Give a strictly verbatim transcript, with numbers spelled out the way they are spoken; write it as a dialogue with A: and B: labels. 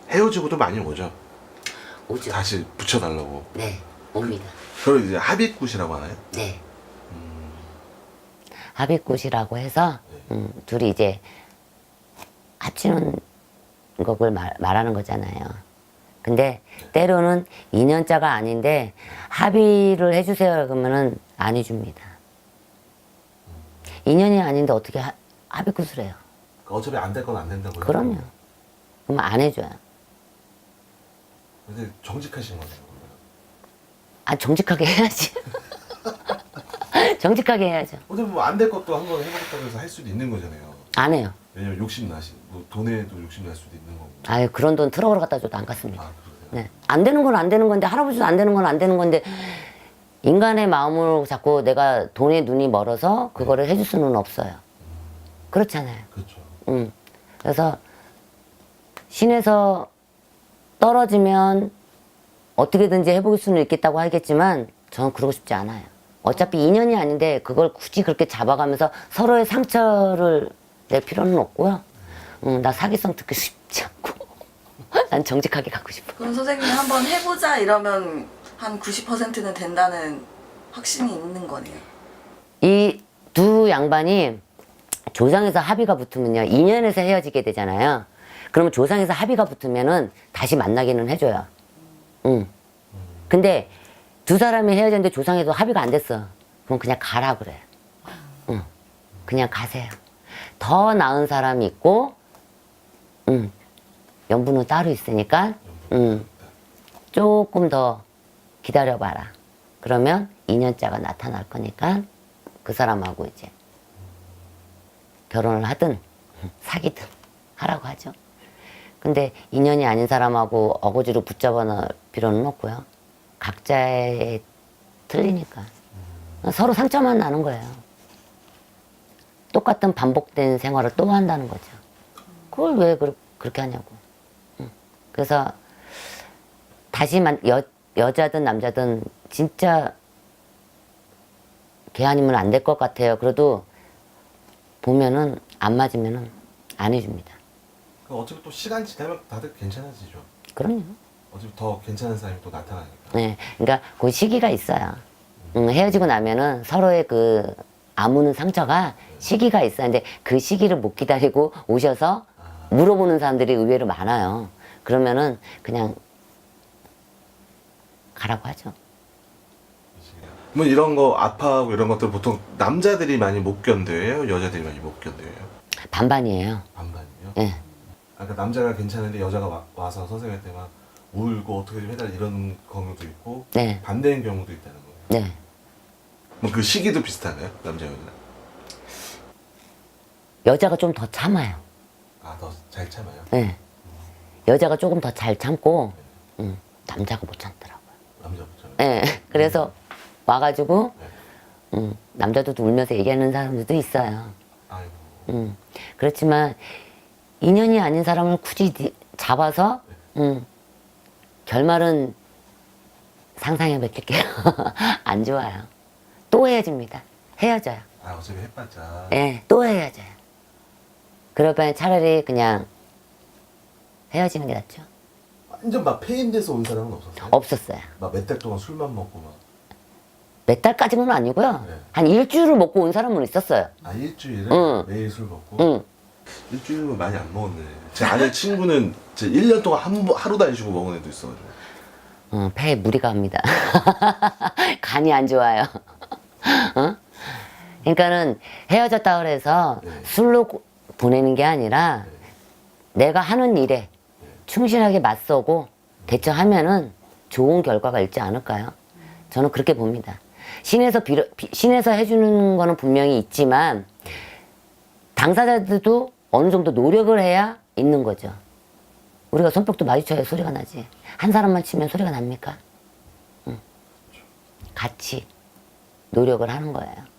A: 헤어지고도 많이 오죠.
B: 오죠.
A: 다시 붙여달라고.
B: 네, 옵니다.
A: 그걸 이제 합의굿이라고 하나요?
B: 네. 음. 합의굿이라고 해서 음, 둘이 이제 합치는 것을 말, 말하는 거잖아요. 근데 때로는 인연자가 아닌데 합의를 해주세요 그러면은 안 해줍니다. 인연이 아닌데 어떻게 하, 합의굿을 해요?
A: 어차피 안 될 건 안 된다고요.
B: 그럼요. 그럼 안 해줘요.
A: 근데 정직하신 거네요.
B: 아, 정직하게 해야지. 정직하게 해야죠.
A: 어차피 뭐 안 될 것도 한번 해보겠다고 해서 할 수도 있는 거잖아요.
B: 안 해요.
A: 왜냐면 욕심 나시, 뭐 돈에도 욕심 날 수도 있는 거고.
B: 아유, 그런 돈 트럭으로 갖다 줘도 안 갔습니다.
A: 아, 그러세요?
B: 네. 안 되는 건 안 되는 건데, 할아버지도 안 되는 건 안 되는 건데, 인간의 마음으로 자꾸 내가 돈에 눈이 멀어서 그거를 해줄 수는 없어요. 그렇잖아요.
A: 그렇죠.
B: 음. 그래서 신에서 떨어지면 어떻게든지 해볼 수는 있겠다고 하겠지만 저는 그러고 싶지 않아요. 어차피 인연이 아닌데 그걸 굳이 그렇게 잡아가면서 서로의 상처를 낼 필요는 없고요. 음, 나 사기성 듣기 쉽지 않고 난 정직하게 가고 싶어.
C: 그럼 선생님 한번 해보자 이러면 한 구십 퍼센트는 된다는 확신이 있는 거네요.
B: 이 두 양반이 조상에서 합의가 붙으면요, 인연에서 헤어지게 되잖아요. 그러면 조상에서 합의가 붙으면은 다시 만나기는 해줘요. 응. 근데 두 사람이 헤어졌는데 조상에서 합의가 안 됐어. 그럼 그냥 가라 그래. 응. 그냥 가세요. 더 나은 사람이 있고, 응. 연분은 따로 있으니까, 응. 조금 더 기다려봐라. 그러면 인연자가 나타날 거니까 그 사람하고 이제 결혼을 하든 사귀든 하라고 하죠. 근데 인연이 아닌 사람하고 어거지로 붙잡아 놓을 필요는 없고요. 각자의 틀리니까 서로 상처만 나는 거예요. 똑같은 반복된 생활을 또 한다는 거죠. 그걸 왜 그, 그렇게 하냐고. 그래서 다시만 여, 여자든 남자든 진짜 걔 아니면 안 될 것 같아요. 그래도 보면은 안 맞으면은 안 해줍니다.
A: 그럼 어차피 또 시간 지나면 다들 괜찮아지죠.
B: 그럼요.
A: 어차피 더 괜찮은 사람이 또 나타나니까.
B: 네, 그러니까 그 시기가 있어요. 음, 헤어지고 나면은 서로의 그 아무는 상처가 시기가 있어요. 근데 그 시기를 못 기다리고 오셔서 물어보는 사람들이 의외로 많아요. 그러면은 그냥 가라고 하죠.
A: 뭐 이런 거 아파하고 이런 것들 보통 남자들이 많이 못 견뎌요? 여자들이 많이 못 견뎌요?
B: 반반이에요.
A: 반반이요?
B: 예.
A: 아까 남자가 괜찮은데 여자가 와, 와서 선생님한테 막 울고 어떻게 좀 해달라 이런 경우도 있고
B: 네.
A: 반대인 경우도 있다는 거예요.
B: 네.
A: 뭐 그 시기도 비슷한가요? 남자 여자?
B: 여자가 좀 더 참아요.
A: 아, 더 잘 참아요?
B: 네. 여자가 조금 더 잘 참고, 음, 남자가 못 참더라고요.
A: 남자부터는?
B: 예. 그래서 와가지고,
A: 네.
B: 음, 남자도 울면서 얘기하는 사람들도 있어요.
A: 아이고.
B: 음, 그렇지만 인연이 아닌 사람을 굳이 니- 잡아서 음, 결말은 상상해 뵐게요. 안 좋아요. 또 헤어집니다. 헤어져요.
A: 아, 어차피 해봤자.
B: 예, 또 헤어져요. 그럴 바에 차라리 그냥 헤어지는 게 낫죠.
A: 완전 막 폐인돼서 온 사람은 없었어요?
B: 없었어요.
A: 막 몇 달 동안 술만 먹고 막.
B: 몇 달까지는 아니고요.
A: 네.
B: 한 일주일을 먹고 온 사람은 있었어요.
A: 아, 일주일을
B: 응.
A: 매일 술 먹고?
B: 응.
A: 일주일은 많이 안 먹었네. 제 아는 친구는 제 일 년 동안 한, 번- 하루도 안 쉬고 먹은 애도 있어가지고.
B: 어, 폐에 무리가 갑니다. 간이 안 좋아요. 어? 그러니까는 헤어졌다 그래서
A: 네.
B: 술로 고- 보내는 게 아니라 내가 하는 일에 충실하게 맞서고 대처하면은 좋은 결과가 있지 않을까요? 저는 그렇게 봅니다. 신에서 빌어, 비- 신에서 해주는 거는 분명히 있지만 당사자들도 어느 정도 노력을 해야 있는 거죠. 우리가 손뼉도 마주쳐야 소리가 나지. 한 사람만 치면 소리가 납니까? 응. 같이 노력을 하는 거예요.